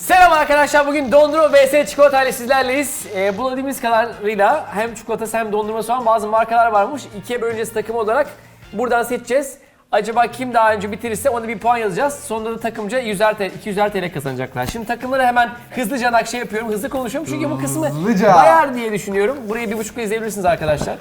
Selam arkadaşlar, bugün dondurma vs çikolata ile sizlerleyiz. Bulabildiğimiz kadarıyla hem çikolatası hem dondurması olan bazı markalar varmış. İkiye bölüneceğiz takım olarak. Buradan seçeceğiz. Acaba kim daha önce bitirirse ona bir puan yazacağız. Sonunda da takımca 100'er TL, 200'er TL kazanacaklar. Şimdi takımları hemen hızlıca nakşe yapıyorum, hızlı konuşuyorum. Çünkü bu kısmı bayar diye düşünüyorum. Burayı 1,5'la izleyebilirsiniz arkadaşlar.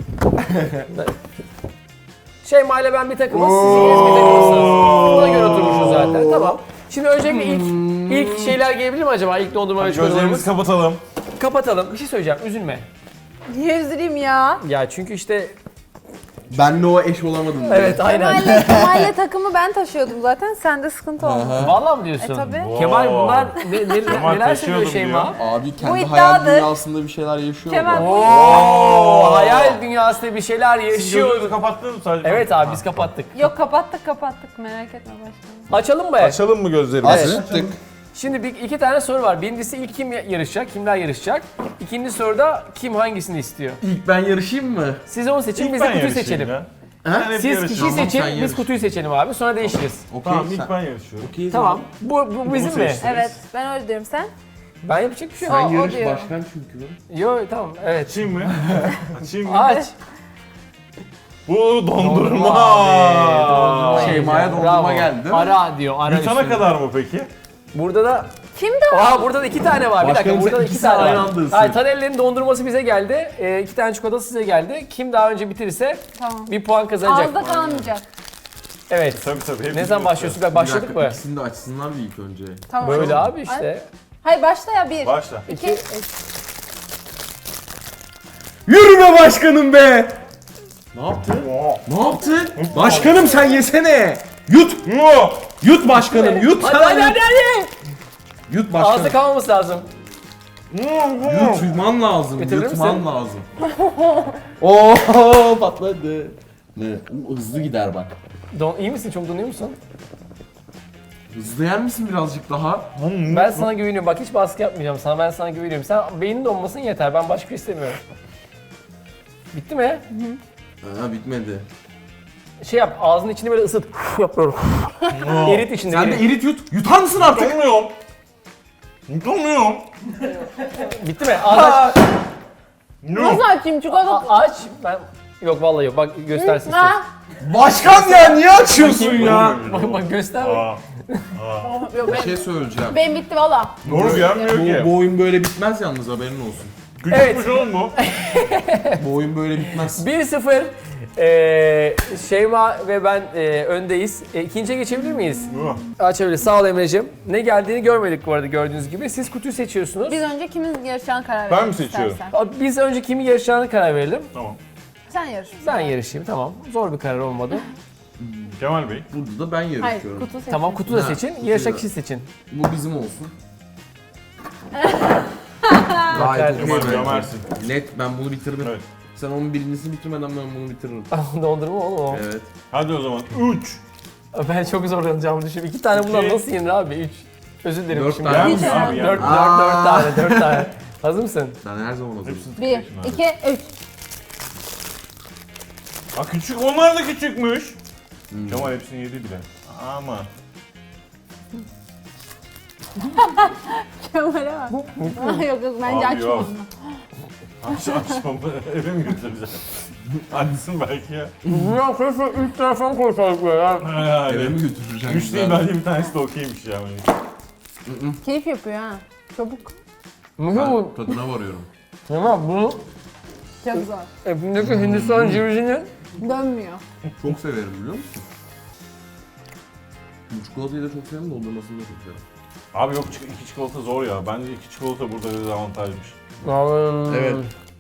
Şeyma ile ben bir takımız, siz ikiniz bir takımsınız. Buna göre oturmuşuz zaten, tamam. Şimdi öncelikle ilk şeyler gelebilir mi acaba? İlk dondurma ve çikolatalarımız. Gözlerimizi kapatalım. Kapatalım. Bir şey söyleyeceğim, üzülme. Niye üzüleyim ya? Ya çünkü işte... Benle o eş olamadım. Evet, aynen. Kemal'le takımı ben taşıyordum zaten. Sende sıkıntı olmadı. Vallahi mı diyorsun? Tabii. Kemal bunlar Kemal neler söylüyor taşıyordum Şeyma? Abi kendi Bu hayal iddiadır. dünyasında bir şeyler yaşıyor. Kemal mu? bu Oo, hayal dünyasında bir şeyler Siz yaşıyor. gözünüzü kapattınız mı sadece? Evet abi biz kapattık. Yok kapattık merak etme başkanım. Açalım mı? Açalım mı gözlerimizi? Evet. Açtık. Şimdi iki tane soru var. Birincisi ilk kim yarışacak, kimler yarışacak? İkinci soruda kim hangisini istiyor? İlk ben yarışayım mı? Siz onu seçin, İlk biz de ben kutuyu yarışayım seçelim. ya. Ben hep Siz yarışıyorum. kişiyi Tamam, seçin, sen biz yarış. kutuyu seçelim abi. Sonra değişiriz. Okey. Tamam ilk ben yarışıyorum. Okey, Tamam. Bu bizim mi? seçtim. Evet ben öyle diyorum sen. Ben yapacak bir şey yok. Sen O yarış diyor. başkan çünkü. Yo tamam, evet. Açayım mı? Açayım mı? Aç. Bu dondurma. Dondurma. Şeyma'ya dondurma Bravo. geldi, değil mi? Ara diyor, ara Yutana üstüne. kadar mı peki? Burada da... Kimdi o? Aa burada da iki tane var. Bir dakika, Başkanım, burada da sen iki ikisini tane aynı var. anda ısır. Hayır, Taner'lerin dondurması bize geldi. İki tane çikolatası size geldi. Kim daha önce bitirirse Tamam. bir puan kazanacak. Ağızda kalmayacak. Evet. Tabii. Ne zaman başlıyorsun? Bak başladık mı? İkisini de açsınlar bir ilk önce. Tamam. Böyle abi işte. Hayır başla ya bir. Başla. İki. Yürü be başkanım be! Ne yaptın? Ne yaptın? Başkanım sen yesene! Yut! Yut başkanım, yut Hadi sana! hadi hadi hadi. Yut Ağızda başkanım. kalmaması lazım. Yutman lazım, Bitirir yutman misin? lazım. Oo patladı. Ne? Hızlı gider bak. İyi misin? Çok donuyor musun? Hızlı yer misin birazcık daha? Ben sana güveniyorum. Bak hiç baskı yapmayacağım sana. Ben sana güveniyorum. Sen beynin donmasın yeter. Ben başka bir şey istemiyorum. Bitti mi? Ha bitmedi. Şey yap. Ağzının içini böyle ısıt. Yap böyle. Erit içinde. Sen de erit. erit yut. Yutar mısın artık? Yutamıyorum. Yutamıyorum. Bitti mi? Ağzı aç. Nasıl açayım çikolata? Aç. Ben... Yok vallahi yok. Bak göstersin istiyorsun. Ha? Başkan ya niye açıyorsun ya? Bak göster. Bak. Aa, Yok Bir şey söyleyeceğim. benim bitti valla. doğru gelmiyor ki. Bu oyun böyle bitmez yalnız haberin olsun. Küçükmüş oğlum bu. Bu oyun böyle bitmez. 1-0. Şeyma ve ben öndeyiz. İkinciye geçebilir miyiz? Açabiliriz. Sağ ol Emre'cim. Ne geldiğini görmedik bu arada gördüğünüz gibi. Siz kutuyu seçiyorsunuz. Biz önce kimin yarışacağını karar Ben verelim mi seçiyorum? istersen. Biz önce kimi yarışacağını karar verelim. Tamam. Sen yarış. Ben yarışayım, tamam. Zor bir karar olmadı. Kemal Bey. Burada da ben Hayır yarışıyorum. kutu seç. Tamam, kutu da Ha, seçin. kutuyu Yarışacak da. kişi seçin. Bu bizim olsun. Kemal, Gayet Kemal okey. gömersin. Net ben bunu bitiririm. Evet. Sen onun birincisini bitirmeden ben bunu bitiririm. Dondurma oğlum o. Evet. Hadi o zaman. 3. Ben çok zorlanacağımı düşünüyorum. 2 tane bundan İki. nasıl yenir abi? 3. Özür dilerim Dört şimdi. tane. Hiç Abi Dört ya. tane, 4 tane. Hazır mısın? Ben her zaman hazırım. 1, 2, 3. Aa küçük, onlar da küçükmüş. Kemal hepsini yedi bile. Ama. Kemal'e bak. Yok bence Abi açma yok. onu. Açmam. Eve mi götüreceğim? Açsın belki ya. Ya keşke 3 tane falan koysaydık böyle ya. Eve mi götüreceğim? 3 değil bence bir tanesi de okeymiş ya. Keyif yapıyor ha. Çabuk. Mümkün mü? Tadına varıyorum. Tamam bunu Çok zor. hepindeki Hindistan cevizini Dönmüyor. Çok severim biliyor musun? Bu çikolatayı da çok severim, dondurmasını da çok severim. Abi yok, iki çikolata zor ya. Bence iki çikolata burada dezavantajmış. Evet.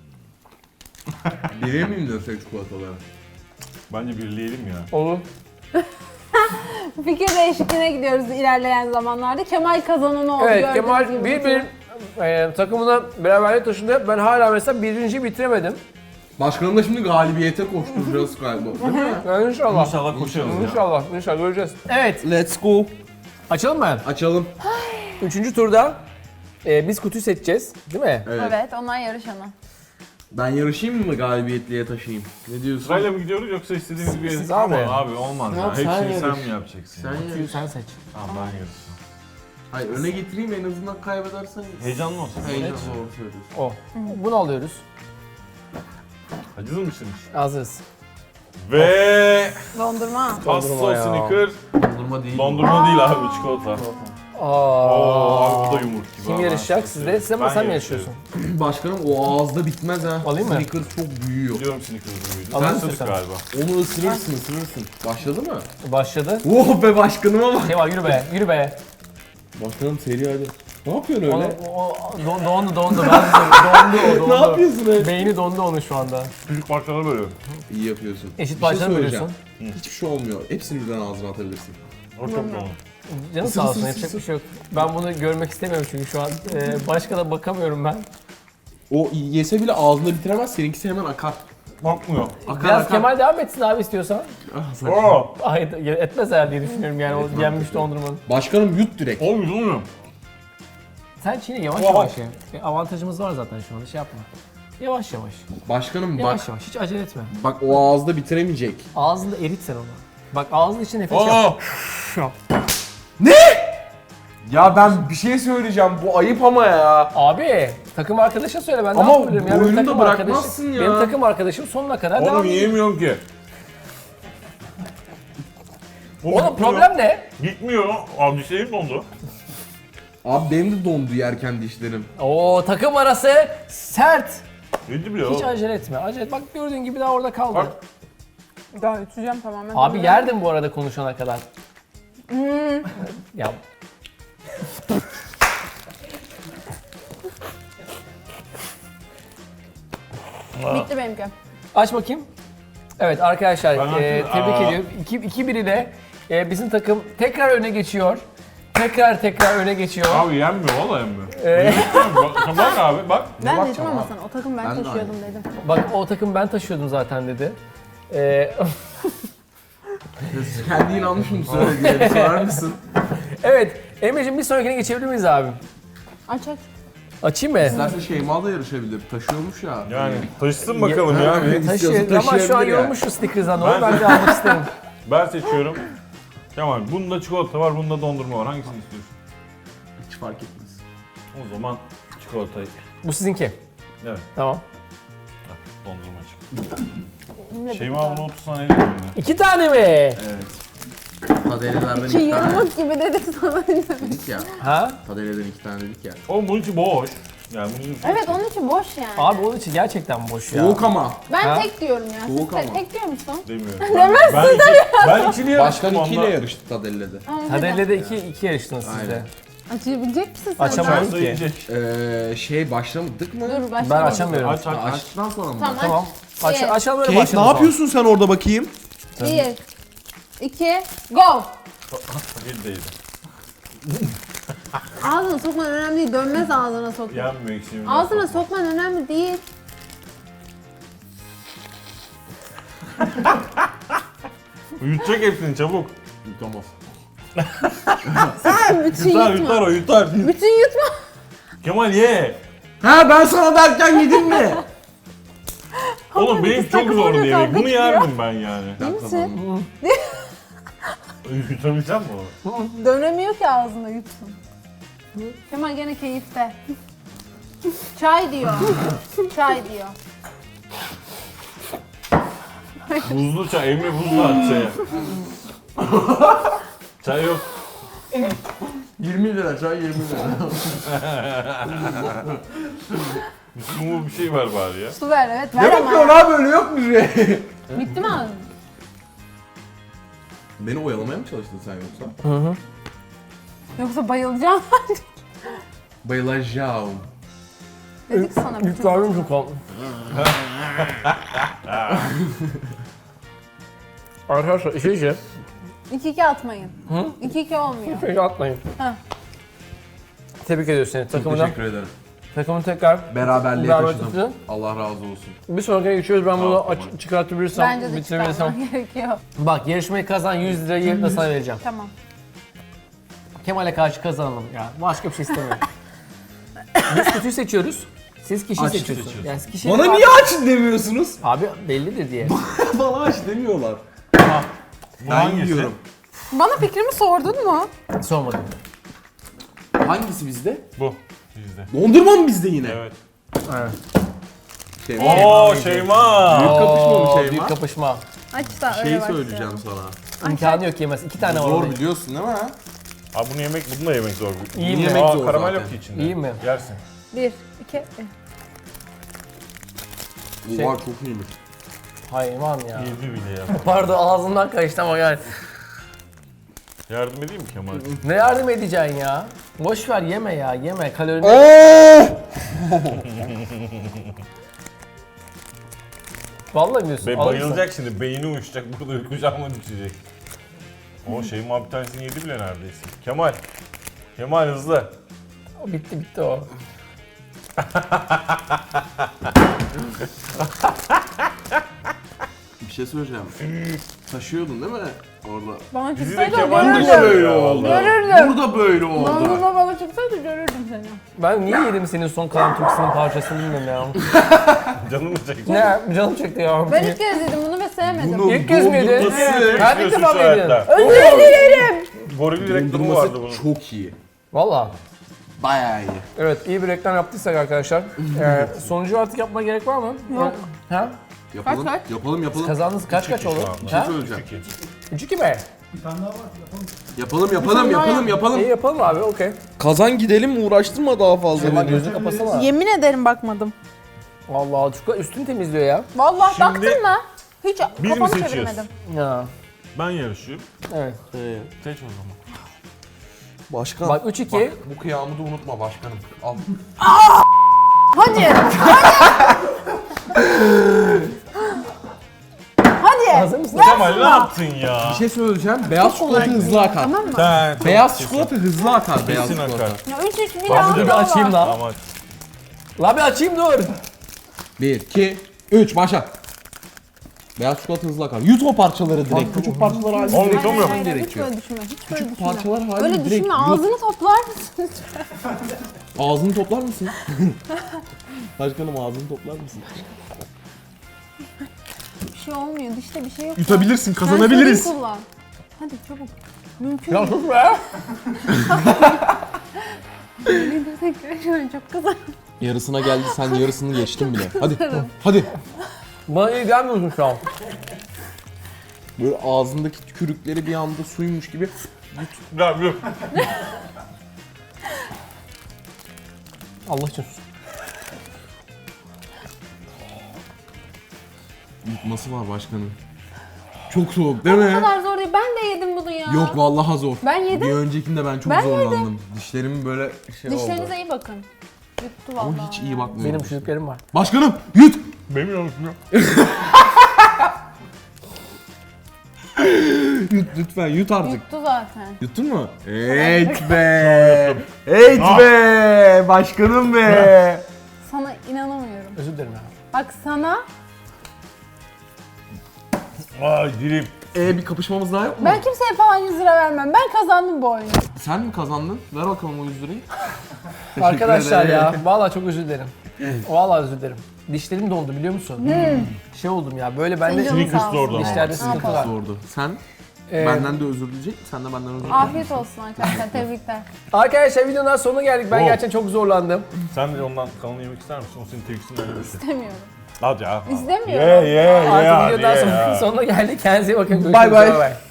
Bilir miyim desek çikolataları? Bence birleyelim ya. Olur. Fikir değişikliğine gidiyoruz ilerleyen zamanlarda. Kemal kazananı oldu. Evet, gördüğünüz Kemal gibi. takımına beraberlik taşındı. Ben hala mesela birinciyi bitiremedim. Başkanım da şimdi galibiyete koşturacağız galiba. Değil mi? Yani inşallah. İnşallah koşarız ya. İnşallah göreceğiz. Evet, Let's go. açalım mı? Açalım. Üçüncü turda biz kutuyu seçeceğiz, değil mi? Evet. Evet, onlar yarışanı. Ben yarışayım mı galibiyetliye taşıyayım? Ne diyorsun? Sırayla mı gidiyoruz yoksa istediğimiz bir yere? Siz abi. Ama abi olmaz ya. Yok, sen Hepsini sen yarış. mi yapacaksın? Sen ya? yarış. Sen seç. Tamam ben yarışacağım. Hayır öne getireyim en azından kaybedersen. Heyecanlı olsun. Heyecan doğru söylüyorsun. O. Bunu alıyoruz. Hazır mısınız? Hazırız. Ve Dondurma. Pasto Dondurma ya. Snicker. Dondurma değil. Dondurma değil abi, çikolata. Oo, abi bu da yumurt gibi. Kim ha. yarışacak sizde? Siz ama Ben sen mi yarışıyorum. yarışıyorsun? Başkanım o ağızda bitmez ha. Alayım mı? Snickers çok büyüyor. Biliyorum Snickers'ın büyüdü. Alır Sen mısın ısırdık sen? galiba. Onu ısırırsın. Başladı mı? Başladı. Oh be başkanıma bak. Kemal yürü be, yürü be. Başkanım seri hadi. Ne yapıyorsun Onu, öyle? dondu. Dondu o. Ne yapıyorsun öyle? Beyni dondu onun şu anda. Küçük parçalara bölüyorum. İyi yapıyorsun. Eşit Bir parçalara söyleyeceğim. bölüyorsun. Hiçbir şey olmuyor. Hepsini birden ağzına atabilirsin. O çok dolu. Canım sağ olsun, yapacak bir şey yok. Ben bunu görmek istemiyorum çünkü şu an. Başka da bakamıyorum ben. O yese bile ağzında bitiremez. Seninkisi hemen akar. Bakmıyor. Biraz Kemal devam etsin abi istiyorsan. Oo. Ay etmez herhalde diye düşünüyorum yani o yenmiş dondurmanın. Başkanım yut direkt. Olmuyor. Sen çiğne yavaş Oha. yavaş ye. Avantajımız var zaten şu anda şey yapma. Yavaş yavaş. Başkanım bak. Yavaş yavaş hiç acele etme. Bak o ağızda bitiremeyecek. Ağzında erit sen onu. Bak ağzın için nefes yap. Oo. Ya ben bir şey söyleyeceğim. Bu ayıp ama ya. Abi takım arkadaşa söyle ben Ama ne yapabilirim ya. Benim oyunu da takım bırakmazsın ya. Benim takım arkadaşım sonuna kadar devam Oğlum ediyor. yiyemiyorum ki. Oğlum problem ne? Gitmiyor. Abi dişlerim dondu. Abi benim de dondu yerken dişlerim. Oo takım arası sert. Yedi bile Hiç o. acele etme. Acele et. Bak gördüğün gibi daha orada kaldı. Bak. Daha üteceğim tamamen. Abi yerdim bu arada konuşana kadar. Ya Bitti benimki. aç bakayım. Evet arkadaşlar Ben açtım. tebrik Aa. ediyorum. 2-1 ile bizim takım tekrar öne geçiyor. Tekrar öne geçiyor. Abi yenmiyor, valla yenmiyor. Ee, Bak abi, bak. Ben dedim ama sana o takım ben Ben de taşıyordum dedim. Bak o takım ben taşıyordum zaten dedi. Kendi inanmış mı söylediğine sorar mısın? Evet Emre'cim bir sonrakine geçebilir miyiz abi? Aç aç. Açayım mı? İsterse Şeyma da yarışabilir. Taşıyormuş ya. Yani taşısın bakalım ya. Taşı, ama şu an taşıyabilir ya. yorulmuş şu stickers'dan onu Ben- ben de almak isterim. Ben seçiyorum. Kemal, bunda çikolata var, bunda dondurma var. Hangisini istiyorsun? Hiç fark etmez. O zaman çikolatayı. Bu sizinki. Evet, Tamam. dondurma çık. Şeyma bunu 30 saniye değil mi? 2 tane mi? Evet. Tadelelerden Ki 2 tane yumruk gibi dedik sana. dedik ya. Ha? Tadeleden 2 tane dedik ya. Oğlum bunun içi boş. Yani bunun içi... Evet onun için boş yani. Abi onun için gerçekten boş ya. Soğuk ama. Ben Ha? tek diyorum ya. Soğuk Siz ama. tek diyor musun? Demiyorum. Ben ikili yarıştım Başkan 2 ile onunla. yarıştı Tadele'de. Tadelle'de 2 yarıştınız siz de. Aynen. Açabilecek misin sen? Açamam. Çay yiyecek. Şey başlamadık mı? Dur başla. Ben açamıyorum. Aç aç aç. Açtıktan sonra mı? Tamam. Tamam. Aç, Bir. açalım öyle Kate başlayalım. ne o zaman. yapıyorsun sen orada bakayım? 1, 2, go! Bir değil. Ağzına sokman önemli değil. Dönmez ağzına sokman. Yenmiyor ikisini. Ağzına sokman önemli değil. Yutacak hepsini çabuk. Yutamaz. Sen bütün Yutar yutma. yutar o yutar. Bütün yutma. Kemal ye. Ha ben sana derken yedin mi? Oğlum benim çok takım zor orada yemek. kavga Bunu çıkıyor. yerdim ben yani. Ben kazandım. Yutabileceğim mi onu? Dönemiyor ki ağzında yutsun. Kemal gene keyifte. Çay diyor. Çay diyor. Buzlu çay. Emre buzlu at çaya. Çay yok. 20 lira çay 20 lira. Bu bir şey var bari ya. Su ver evet ver Ne ama. bakıyorsun abi öyle yok mu şey? Bitti mi ağzın? Beni oyalamaya mı çalıştın sen yoksa? Yoksa bayılacağım. Bayılacağım. Dedik sana bütün. Yüklerdim çok oldu. Arkadaşlar işe 2-2 atmayın. 2-2 olmuyor. şey atmayın. Heh. Tebrik ediyoruz seni takımından. Teşekkür ederim. Takımın tekrar Beraberliğe beraber taşıdım. tutun. Allah razı olsun. Bir sonrakine geçiyoruz. Ben bunu Tamam. çıkartabilirsem, Bence de bitirebilirsem. çıkarman gerekiyor. Bak yarışmayı kazan 100 lirayı yerine sana vereceğim. Tamam. Kemal'e karşı kazanalım ya. Başka bir şey istemiyorum. Biz kutuyu seçiyoruz. Siz kişiyi Aç seçiyorsunuz. seçiyoruz. Yani kişiye Bana niye aç demiyorsunuz? Abi bellidir diye. Bana aç demiyorlar. Bu Ben hangisi? yiyorum. Bana fikrimi sordun mu? Sormadım. Hangisi bizde? Bu. Bizde. Dondurma mı bizde yine? Evet. Şey, Oo Şeyma. Büyük kapışma mı şey Büyük var? kapışma. Aç da öyle Şey başlayalım. söyleyeceğim sana. İmkanı yok yemez. 2 tane var Zor orada. biliyorsun değil mi? Abi bunu da yemek zor. İyi mi? Yemek zor karamel zaten. yok ki içinde. İyi mi? Yersin. 1, 2, Şey- Oha çok iyiymiş. Hayvan ya. Yedi bile ya. Pardon ağzımdan kaçtı ama yani. Yardım edeyim mi Kemal? Ne yardım edeceksin ya? Boş ver yeme ya yeme kalorini. Vallahi diyorsun. Be alır mısın? bayılacak şimdi. Beyni uyuşacak. Burada kucağıma düşecek. O Şeyma bir tanesini yedi bile neredeyse. Kemal. Kemal hızlı. O bitti o. Bir şey söyleyeceğim. Taşıyordun değil mi orada? bana Bizi de çıksaydı Kemal görürdüm. taşıyor böyle ya oldu. vallahi. Görürdüm. Burada böyle oldu. Dondurma bana çıksaydı görürdüm seni. Ben niye yedim senin son kalan Türk'sünün parçasını bilmiyorum ya. Canım mı çekti? Ne canım çekti ya. Ben ilk kez yedim bunu ve sevmedim. Bunun İlk kez mi yedin? dondurması- Ben ilk defa mı yedin? Özür dilerim. Goril reklamı vardı bunun. Dondurması çok iyi. Valla. Bayağı iyi. Evet iyi bir reklam yaptıysak arkadaşlar. Sonucu artık yapmaya gerek var mı? Yok. Ha? Yapalım, Kaç? yapalım. Kazandınız kaç Üç oldu? şu anda. Bir şey Ha? söyleyeceğim. 3-2 mi? Yapalım. İyi yapalım abi okey. Kazan gidelim uğraştırma daha fazla. Ama gözünü kapasana. Yemin ederim bakmadım. Vallahi çocuklar üstünü temizliyor ya. Vallahi Şimdi baktın mı? Hiç biz mi kafamı seçiyoruz? çevirmedim. Ya. Ben yarışıyorum. Evet. Seç o zaman. Başkan. Bak 3-2. Bu kıyamı da unutma başkanım. Al. Hadi. Hadi. Hazır mısın? Kemal ne yaptın ya? Bir şey söyleyeceğim. Beyaz çikolata hızlı akar. Tamam mı? Sen Beyaz çikolata hızlı akar. Beyaz kesin çikolata. akar. Ya 3-3 bir Dur daha bir daha açayım var. lan. Ama La bir açayım dur. 1, 2, 3 başla. Beyaz çikolata hızlı akar. Yut o parçaları direkt. Küçük parçalar halinde Oğlum, direkt yutamıyorum. Hayır, hayır, hiç gerekiyor. böyle düşünme. Hiç böyle düşünme. parçalar halinde Öyle direkt düşünme. yut. Ağzını toplar mısın? Ağzını toplar mısın? Başkanım ağzını toplar mısın? Bir şey olmuyor. Dişte bir şey yok. Yutabilirsin, Sen kazanabiliriz. sorun kullan. Hadi çabuk. Mümkün Ya değil. sus be. Ne desek şu an çok kızarım. Yarısına geldi, sen yarısını geçtin bile. Hadi, hadi. Bana iyi gelmiyorsun şu an. Böyle ağzındaki tükürükleri bir anda suymuş gibi. ya yok. Allah için sus. Yutması var başkanım. Çok soğuk değil Bu mi? kadar zor değil. Ben de yedim bunu ya. Yok vallahi zor. Ben yedim. Bir öncekinde ben çok Ben zorlandım. Dişlerim böyle şey oldu. Dişlerinize iyi bakın. Yuttu vallahi. Ama hiç iyi bakmıyorum. Benim çocuklarım var. Başkanım yut! Benim yanlışım yok. Yut lütfen yut artık. Yuttu zaten. Yuttun mu? Evet be! Evet be! Başkanım be! Sana inanamıyorum. Özür dilerim ya. Bak sana Ay dilim. Bir kapışmamız daha yok mu? ben kimseye falan 100 lira vermem. Ben kazandım bu oyunu. Sen mi kazandın? Ver bakalım o 100 lirayı. Arkadaşlar ya vallahi çok özür dilerim. Vallahi özür dilerim. Dişlerim dondu biliyor musun? Şey oldum ya böyle bende Senin canın sağ olsun. orada. dişlerde Ne sıkıntı yapalım? var. Zordu. Sen Ee, benden de özür dileyecek, sen de benden özür dileyecek. Afiyet olsun arkadaşlar. Tebrikler. Arkadaşlar videonun sonuna geldik. Ben Oh. gerçekten çok zorlandım. Sen de ondan kalanı yemek ister misin? O senin tepkisinden yemesin. İstemiyorum. Hadi ya. İstemiyorum. Ye ye ye. Artık hadi videodan ye ya. sonuna geldik. Kendinize iyi bakın. Bye Görüşürüz. bye. Bye bye.